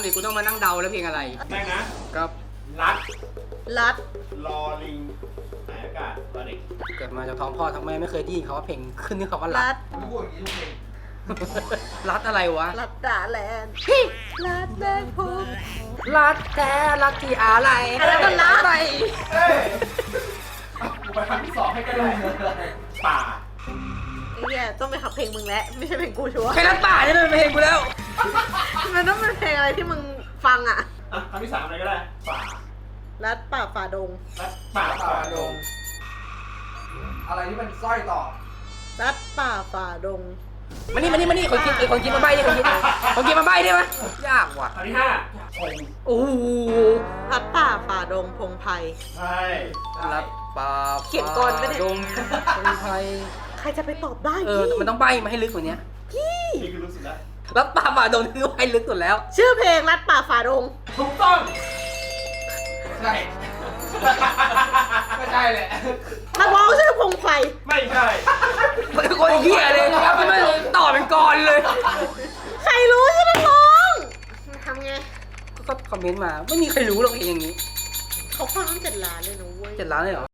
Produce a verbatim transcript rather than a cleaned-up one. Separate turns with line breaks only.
สิกูต้องมานั่งเดาแล้วเพลงอะไร
แม่งนะครับ รัด
รัด
รอลิงหายอากาศรอเด็ก
เกิดมาจากท้องพ่อท้องแม่ไม่เคยได้ยินเขาว่าเพลงขึ้นนี่คำว่ารั
รั
ด
ด
รู้ว่าอย่างนี้ทุกเพลง
รัดอะไรวะ
รัดดาแลนด์รัดแดงพุก
รัดแท้รัดที่อะไร
อะไรกันรัดไป
เฮ้ยกูไปคำที่สองให้ก็ได้ป่า
ไอ้เหี้ยต้องไปขับเพลงมึงแล้วไม่ใช่เพลงกูชัวร์
ใครรัดป่าเนี่ยเป็นเพลงกูแล้ว
มันต้องเป็นเพลงอะไรที่มึงฟังอ่ะ
อ่ะคำที่สามอะไรก็ได้ป่า
รัดป่าฝ่าดง
รัดป่า
ป่า
ป่า
ด
ด
ง
ง
อะไรที่มันสร้อยต่อ
รัดป่าฝ่าดง
มานี่มานี่มานี่คนกินไอ้คนกินมาใบ้ดิคนกินคนกินมาใบ้ได้ไหมยากว่ะ
คำที่ห้าพง
โอ้โห
รัดป่าฝ่าดงพงไพร
ใช่
รัดป่า
เขียนก่อนปะเนี่ย
ดงคนไทย
ใครจะไปตอบได้
เออ
พี่
มันต้องใบ้มาให้ลึกกว่านี้
นี่คือรู้สึกแล้ว
รัดป่าฝ่าดงนี่คือให้ลึกสุดแล้ว
ชื่อเพลงรัดป่าฝ่าดง
ถูกต้อง
ใช่ไม่ใช่แหละ
นักร้องชื่อพงไพร
ไม่ใช่
คนเหี้ยเลยไม่ไม่ต่อเป็นกรเลย
ใครรู้ชื่อนักร้องทำไง
ก็คอมเมนต์มาไม่มีใครรู้หรอกเพลงอย่างนี้
เขาฟังตั้งเจ็ดล้านเลยนะเว้ย
เจ็ดล้านเลยเหรอ